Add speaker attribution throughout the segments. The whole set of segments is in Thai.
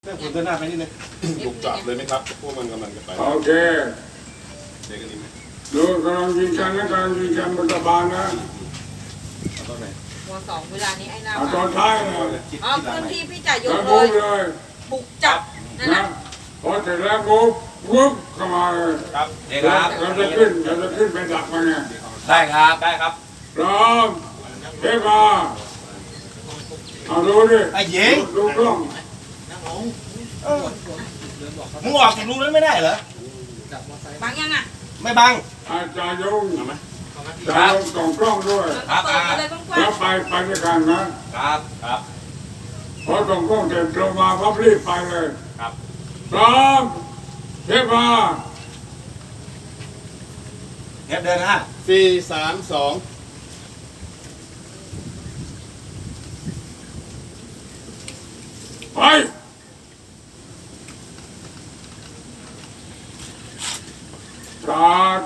Speaker 1: เรื่องคุณเดินหน้าไปนิดนึงบุกจับเลยไหมครับพวกมันกำลังจะไป
Speaker 2: โอเค
Speaker 1: เด็กกันดีไหม
Speaker 2: ดูกำลังยิงกันนะกำลังยิงกันบนกระบาลนะ
Speaker 1: ตอนไหน
Speaker 3: หัวสองเวลานี้ไอ้หน้า
Speaker 2: ตอนท้ายนะ
Speaker 3: เอาพื้นที่พี่จ่ายย
Speaker 2: แล้
Speaker 3: ก
Speaker 2: ว
Speaker 3: เล
Speaker 2: มุ
Speaker 3: ย
Speaker 2: กเลย
Speaker 3: บุกจับนั่น
Speaker 2: นะ
Speaker 3: นะ
Speaker 2: พอเสร็จแล้วมุกวุ๊บเข้ามาเลย
Speaker 1: ครับเด็ก
Speaker 2: เราจะขึ้นไปดักมันเนี่ย
Speaker 1: ได้ครับได้ครับ
Speaker 2: พร้อมเทปมาเอาดูดิ
Speaker 1: ไอ้หญิง
Speaker 2: ดูกล้อง
Speaker 1: มึงออกจากรูนั้นไม่ได้เหรอ
Speaker 3: บังยังอ่ะ
Speaker 1: ไม่บัง
Speaker 2: อาจารย์ยงจะลงกล่องกล้องด้วย
Speaker 3: เปิดไปเลยกว้า
Speaker 2: แล้
Speaker 3: ง
Speaker 2: วไปด้วยกันนะครับ
Speaker 1: ครับ
Speaker 2: พอกล่องกล้องเสร็จลงมาพับรีบไปเลย
Speaker 1: ครับ
Speaker 2: พร้อมเทปมา
Speaker 1: เทปเดินฮะ4-3-2
Speaker 2: ไปสตาร์ท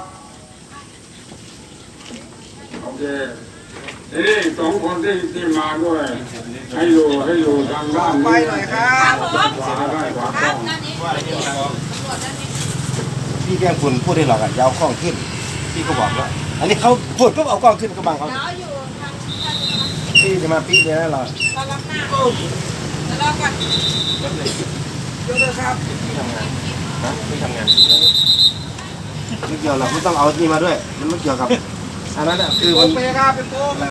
Speaker 2: โอเคทีนี้สองคนที่มาด้วยให้อยู่ทางด้านนี้
Speaker 1: ไปหน่อยครับ
Speaker 3: ครับผม
Speaker 2: ขวาด้านขวา
Speaker 3: ค
Speaker 2: กล้
Speaker 3: รั
Speaker 2: อบ ง
Speaker 3: นั่นนี่ตำรวจนั่นนี่
Speaker 4: พี่แกล้งคุณพูดได้หรอกอ่ะอยาวกล้องขึ้นพี่ก็บอกแล้วอันนี้เขาพูดก็เอากล้องขึ้นก็บังเขา
Speaker 3: เดี๋ยวอยู่ทาง
Speaker 4: พี่จะมาปีเนี่ยนะเรา
Speaker 3: ตอนรับหน้าเดี๋ยวรอก่อน
Speaker 4: ยกเลยครับพี่ทำงานนะพี่ทำงานไม่เกี่ยวหรอกไม่ต้องเอานี่มาด้วย มันไม่เกี่ยวกับอันนั้นอ่ะคือมัน